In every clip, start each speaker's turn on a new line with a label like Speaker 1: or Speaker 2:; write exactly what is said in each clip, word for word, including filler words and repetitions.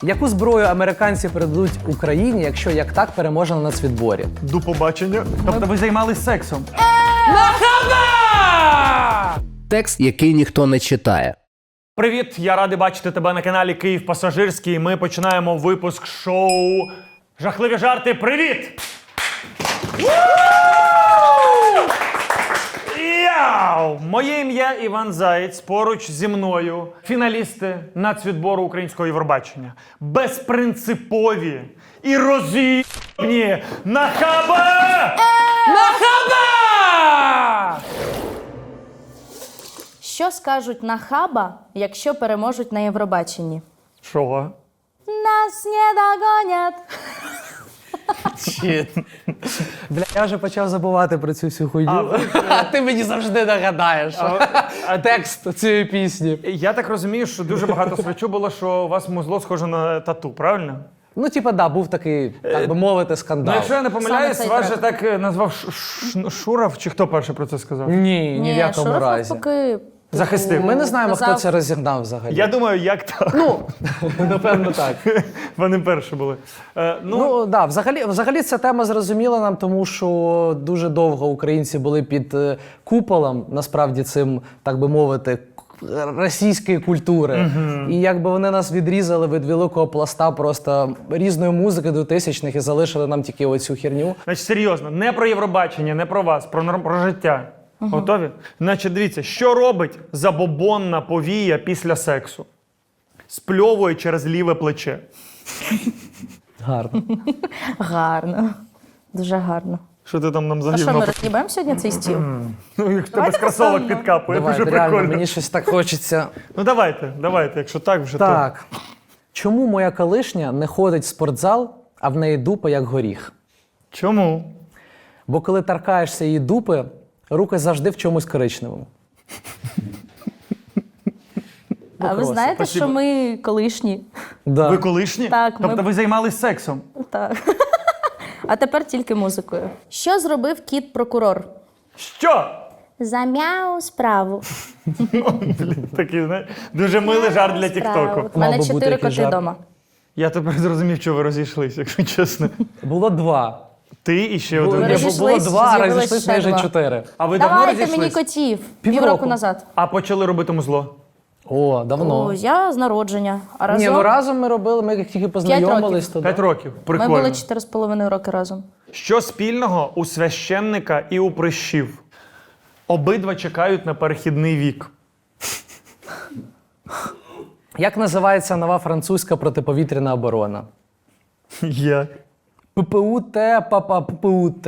Speaker 1: Яку зброю американці передадуть Україні, якщо як так переможе на нацвідборі?
Speaker 2: До побачення. Тобто ви займались сексом?
Speaker 1: Нахаба!
Speaker 3: Текст, який ніхто не читає.
Speaker 2: Привіт, я радий бачити тебе на каналі Київ Пасажирський. Ми починаємо випуск шоу «Жахливі жарти». Привіт! Яу! Моє ім'я Іван Заєць, поруч зі мною фіналісти нацвідбору українського Євробачення. Безпринципові і роз'їбні Нахаба!
Speaker 1: Нахаба!
Speaker 4: Що скажуть нахаба, якщо переможуть на Євробаченні?
Speaker 2: Що?
Speaker 4: Нас не догонять.
Speaker 1: Бля, я вже почав забувати про цю всю хуйню.
Speaker 2: А, ви-
Speaker 1: А ти мені завжди нагадаєш
Speaker 2: А-
Speaker 1: текст цієї пісні.
Speaker 2: Я так розумію, що дуже багато свечу було, що у вас музло схоже на тату, правильно?
Speaker 1: Ну, типа, да, був такий, так би мовити,
Speaker 2: Ну,
Speaker 1: скандал.
Speaker 2: якщо я не помиляюсь,
Speaker 4: цей
Speaker 2: вас же
Speaker 4: трек.
Speaker 2: так е, назвав Ш- Ш- Шуров, чи хто перший про це сказав?
Speaker 1: Ні, ні в якому
Speaker 4: Шуров
Speaker 1: разі.
Speaker 4: навпаки,
Speaker 2: Захистив.
Speaker 1: Ми не знаємо, хто
Speaker 4: Казав-
Speaker 1: це розігнав взагалі.
Speaker 2: Я думаю, як так?
Speaker 1: Ну, напевно, так.
Speaker 2: Вони перші були. Е, ну,
Speaker 1: Ну, да, взагалі, взагалі ця тема зрозуміла нам, тому що дуже довго українці були під е, куполом, насправді цим, так би мовити, к- російської культури. І якби вони нас відрізали від великого пласта просто різної музики двотисячних і залишили нам тільки оцю херню.
Speaker 2: значить, серйозно, не про Євробачення, не про вас, про, норм- про життя. Готові? Значить, дивіться, що робить забобонна повія після сексу? Спльовує через ліве плече.
Speaker 1: Гарно.
Speaker 4: гарно. Дуже гарно.
Speaker 2: Що ти там нам
Speaker 4: А що,
Speaker 2: загівно?
Speaker 4: ми роз'їбаємо сьогодні цей стіл?
Speaker 2: Ну, як в тебе
Speaker 4: Давайте
Speaker 2: з кросовок
Speaker 4: поставимо.
Speaker 2: підкапує,
Speaker 1: Давайте,
Speaker 2: дуже
Speaker 1: реально,
Speaker 2: прикольно.
Speaker 1: мені щось так хочеться.
Speaker 2: Ну давайте, давайте, якщо так вже то.
Speaker 1: Так. Чому моя колишня не ходить в спортзал, а в неї дупа як горіх?
Speaker 2: Чому?
Speaker 1: Бо коли торкаєшся її дупи, руки завжди в чомусь коричневому.
Speaker 4: А ви
Speaker 1: просто.
Speaker 4: знаєте,
Speaker 2: Спасибо.
Speaker 4: що ми колишні?
Speaker 1: Да.
Speaker 2: Ви колишні?
Speaker 4: Так, ми-
Speaker 2: Тобто ви займались сексом?
Speaker 4: Так. А тепер тільки музикою. Що зробив кіт-прокурор?
Speaker 2: Що?
Speaker 4: Замяв справу.
Speaker 2: Блін, такий, знаєш, дуже милий жарт для Тіктоку.
Speaker 4: У мене
Speaker 1: Мав би бути
Speaker 4: чотири
Speaker 1: якийсь
Speaker 4: коти
Speaker 1: жарт.
Speaker 4: вдома.
Speaker 2: Я тепер зрозумів, що ви розійшлися, якщо чесно.
Speaker 1: Було два.
Speaker 2: Ти і ще
Speaker 1: Було,
Speaker 2: один.
Speaker 4: Ми
Speaker 1: ні, було
Speaker 4: розійшлись,
Speaker 1: два, а
Speaker 4: з'явилось
Speaker 1: розійшлись
Speaker 4: ще
Speaker 1: майже
Speaker 4: два.
Speaker 1: чотири.
Speaker 2: А ви давно
Speaker 4: Давайте
Speaker 2: розійшлись?
Speaker 4: мені котів.
Speaker 1: Півроку.
Speaker 4: Півроку назад.
Speaker 2: А почали робити музло?
Speaker 1: О, давно.
Speaker 4: О, я з народження. А разом
Speaker 1: Ні, ну разом ми робили, ми як тільки познайомились, то
Speaker 2: П'ять
Speaker 1: да.
Speaker 2: років.
Speaker 4: ми
Speaker 2: Прикольно.
Speaker 4: були чотири з половиною роки разом.
Speaker 2: Що спільного у священника і у прищів? Обидва чекають на перехідний вік.
Speaker 1: Як називається нова французька протиповітряна оборона?
Speaker 2: Як?
Speaker 1: ППУТ, папа, ППУТ.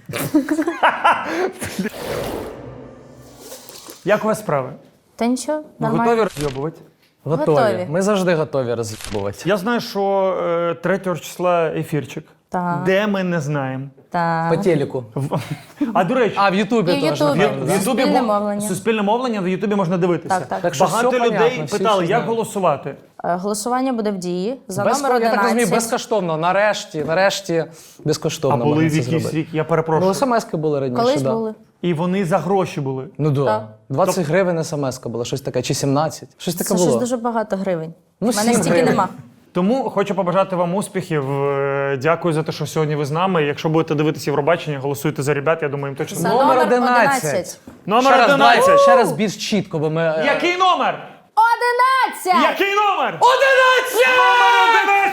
Speaker 2: Як у вас справи?
Speaker 4: Та нічого,
Speaker 2: Ви
Speaker 4: нормально.
Speaker 2: готові розйобувати?
Speaker 1: Готові.
Speaker 4: Готові.
Speaker 1: Ми завжди готові роз'їбувати.
Speaker 2: Я знаю, що е, третього числа ефірчик.
Speaker 4: Так.
Speaker 2: Де ми не знаємо.
Speaker 4: Так.
Speaker 1: По телеку.
Speaker 2: В- А до речі,
Speaker 1: А, в Ютубі
Speaker 4: І в
Speaker 1: теж.
Speaker 4: Ютубі.
Speaker 1: напевно,
Speaker 2: в
Speaker 1: да?
Speaker 2: Ютубі
Speaker 4: Суспільне
Speaker 2: мо-
Speaker 4: мовлення.
Speaker 2: Суспільне мовлення в Ютубі можна дивитися.
Speaker 4: Так, так.
Speaker 1: Так що
Speaker 2: Багато
Speaker 1: все
Speaker 2: людей
Speaker 1: понятно, всі
Speaker 2: питали,
Speaker 1: все
Speaker 2: як
Speaker 1: знають.
Speaker 2: голосувати.
Speaker 4: Е, Голосування буде в дії за
Speaker 1: Без,
Speaker 4: номер
Speaker 1: я так розумію,
Speaker 4: одинадцять.
Speaker 1: безкоштовно. Нарешті, нарешті
Speaker 2: А
Speaker 1: безкоштовно
Speaker 2: були
Speaker 1: можна це
Speaker 2: якийсь
Speaker 1: зробити.
Speaker 2: рік, я
Speaker 1: Ну,
Speaker 2: перепрошую.
Speaker 1: смс-ки були раніше,
Speaker 4: Колись
Speaker 1: да.
Speaker 4: були.
Speaker 2: І вони за гроші були.
Speaker 1: Ну да.
Speaker 4: Так.
Speaker 1: двадцять гривень смс-ка була, щось таке, чи сімнадцять. Щось таке
Speaker 4: Це
Speaker 1: було.
Speaker 4: щось дуже багато гривень.
Speaker 1: Ну,
Speaker 4: У мене
Speaker 1: сім
Speaker 4: стільки
Speaker 1: гривень.
Speaker 4: нема.
Speaker 2: Тому хочу побажати вам успіхів. Е, Дякую за те, що сьогодні ви з нами. Якщо будете дивитися Євробачення, голосуйте за ребят, я думаю, їм точно.
Speaker 4: За
Speaker 1: Номер
Speaker 4: номер
Speaker 1: одинадцять.
Speaker 4: одинадцять.
Speaker 2: Номер
Speaker 1: Ще раз,
Speaker 2: одинадцять.
Speaker 1: давай, ще раз більш чітко, бо ми... е,
Speaker 2: Який номер?
Speaker 4: Одинадцять!
Speaker 2: Який номер? Одинадцять! Номер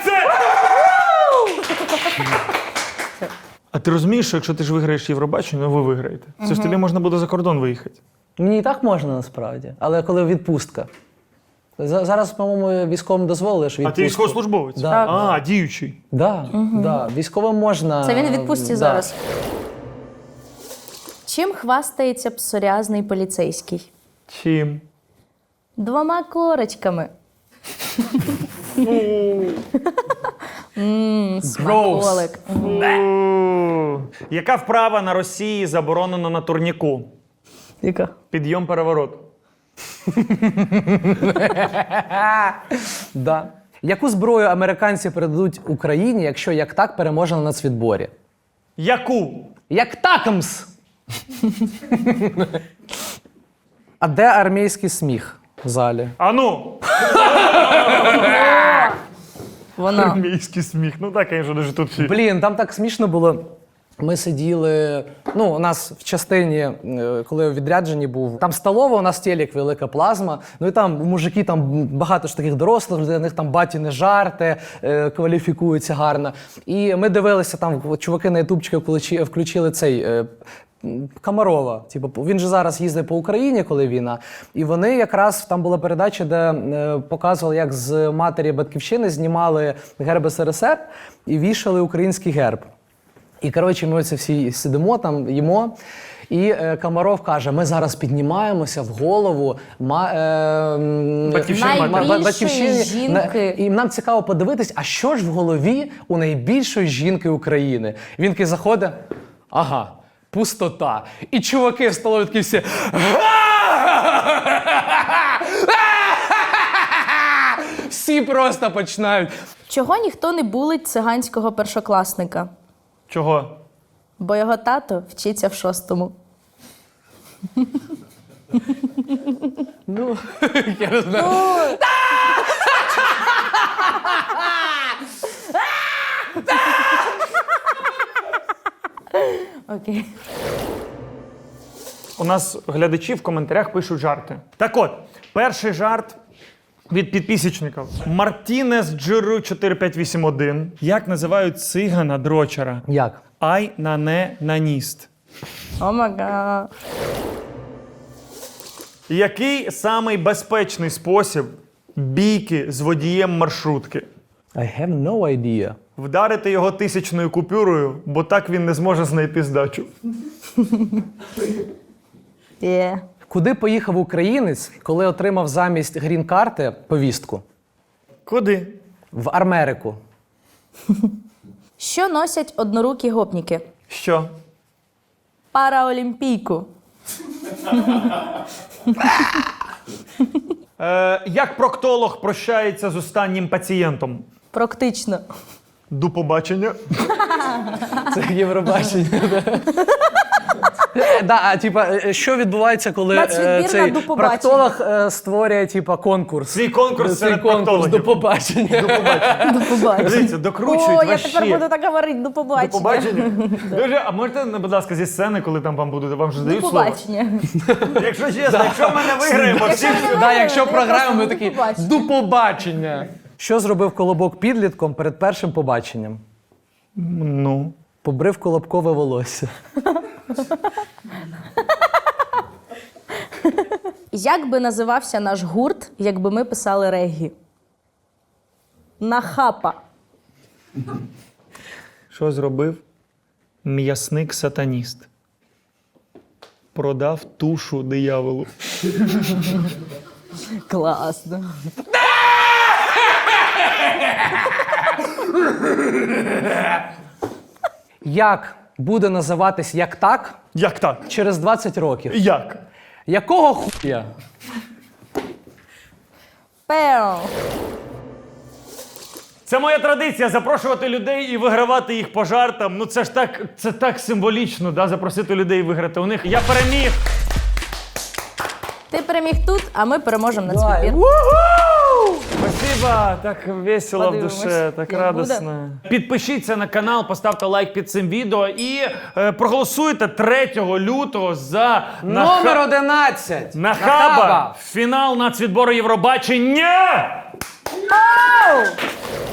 Speaker 2: одинадцять! А ти розумієш, що якщо ти ж виграєш Євробачення, ви виграєте. Це ж тобі можна буде за кордон виїхати.
Speaker 1: Мені і так можна насправді, але коли відпустка. За- Зараз, по-моєму, військовим дозволили, що
Speaker 2: А
Speaker 1: відпустку.
Speaker 2: ти військовослужбовець?
Speaker 1: Да.
Speaker 4: Так.
Speaker 2: А, діючий.
Speaker 1: Да, да, військовим можна.
Speaker 4: Це він у відпустці
Speaker 1: да.
Speaker 4: зараз. Чим хвастається псоріазний поліцейський?
Speaker 2: Чим?
Speaker 4: Двома корочками. Ммм, смаколик.
Speaker 2: У. Яка вправа на Росії заборонена на турніку?
Speaker 4: Яка?
Speaker 2: Підйом переворот.
Speaker 1: Да. Яку зброю американці передадуть Україні, якщо як так переможе на нацвідборі?
Speaker 2: Яку?
Speaker 1: Як такмс! А де армійський сміх в залі?
Speaker 2: Ану!
Speaker 4: Вона.
Speaker 2: Армійський сміх. Ну так, звісно, дуже тут всі.
Speaker 1: Блін, там так смішно було. Ми сиділи. Ну, у нас в частині, е, коли я у відрядженні був, там столова, у нас телек, велика плазма. Ну і там мужики, там багато ж таких дорослих, для них там батіни жарти, е, кваліфікуються гарно. І ми дивилися, там чуваки на ютубчики включили, включили цей. Е, Комарова. Типу, він же зараз їздить по Україні, коли війна. І вони якраз, там була передача, де е, показували, як з матері Батьківщини знімали герб ес ер ес ер і вішали український герб. І, коротше, ми оце всі сидимо там, їмо. І е, Комаров каже, ми зараз піднімаємося в голову ма, е, м,
Speaker 2: Батьківщини
Speaker 1: ма-
Speaker 2: матері.
Speaker 1: ма-
Speaker 4: Найбільшої жінки.
Speaker 1: На- і нам цікаво подивитись, а що ж в голові у найбільшої жінки України? Він такий заходить, ага, пустота. І чуваки в столові такі всі. Всі просто починають.
Speaker 4: Чого ніхто не булить циганського першокласника?
Speaker 2: Чого?
Speaker 4: Бо його тато вчиться в шостому.
Speaker 1: Ну, я не знаю.
Speaker 4: Окей.
Speaker 2: У нас глядачі в коментарях пишуть жарти. Так от, перший жарт від підписчиків. Мартінес Джиру чотири п'ять вісім один. Як називають цигана дрочера?
Speaker 1: Як?
Speaker 2: Ай на не наніст.
Speaker 4: О мага.
Speaker 2: Який самий безпечний спосіб бійки з водієм маршрутки?
Speaker 1: I have no idea.
Speaker 2: Вдарити його тисячною купюрою, бо так він не зможе знайти здачу.
Speaker 4: Є.
Speaker 1: Куди поїхав українець, коли отримав замість грін-карти повістку?
Speaker 2: Куди?
Speaker 1: В Америку.
Speaker 4: Що носять однорукі гопніки?
Speaker 2: Що?
Speaker 4: Параолімпійку.
Speaker 2: Е, як проктолог прощається з останнім пацієнтом?
Speaker 4: Практично.
Speaker 2: До побачення.
Speaker 1: Це Євробачення. да. Да, а типа, е, що відбувається, коли
Speaker 4: Нацвідбір
Speaker 1: е,
Speaker 4: на
Speaker 1: цей
Speaker 4: «До побачення».
Speaker 1: проктолог е, створює типа конкурс?
Speaker 2: Свій конкурс
Speaker 1: Свій
Speaker 2: серед
Speaker 1: конкурс
Speaker 2: проктологів.
Speaker 1: до побачення.
Speaker 4: До побачення.
Speaker 2: Дивіться, докручують
Speaker 4: О, я
Speaker 2: вообще.
Speaker 4: тепер буду так говорити. До побачення.
Speaker 2: До побачення. Дуже, а можете, будь ласка, зі сцени, коли там вам будуть, вам же
Speaker 4: До
Speaker 2: дають слово?
Speaker 4: побачення.
Speaker 2: Якщо чесно, якщо ми не виграємо, всі...
Speaker 4: Якщо ми не
Speaker 1: Да, якщо
Speaker 4: Я
Speaker 1: програємо, ми
Speaker 4: просто
Speaker 1: такі
Speaker 4: до побачення.
Speaker 1: до побачення. Що зробив Колобок підлітком перед першим побаченням?
Speaker 2: Ну.
Speaker 1: Побрив колобкове волосся.
Speaker 4: Як би називався наш гурт, якби ми писали реггі? Нахапа.
Speaker 2: Що зробив м'ясник-сатаніст? Продав тушу дияволу.
Speaker 4: Класно.
Speaker 1: Як буде називатись як так
Speaker 2: Як так?
Speaker 1: через двадцять років?
Speaker 2: Як?
Speaker 1: Якого хуя?
Speaker 4: Пео.
Speaker 2: Це моя традиція запрошувати людей і вигравати їх по жартам. Ну це ж так, це так символічно, да, запросити людей і виграти у них. Я переміг.
Speaker 4: Ти переміг тут, а ми переможемо на цвітбір.
Speaker 2: Спасибо, так весело
Speaker 4: Подивимось,
Speaker 2: в душе, так
Speaker 4: як
Speaker 2: радосно. Підпишіться на канал, поставте лайк під цим відео і е, проголосуйте третього лютого за
Speaker 1: Номер одинадцять.
Speaker 2: Нахаба. Фінал нацвідбору Євробачення.
Speaker 4: Оу!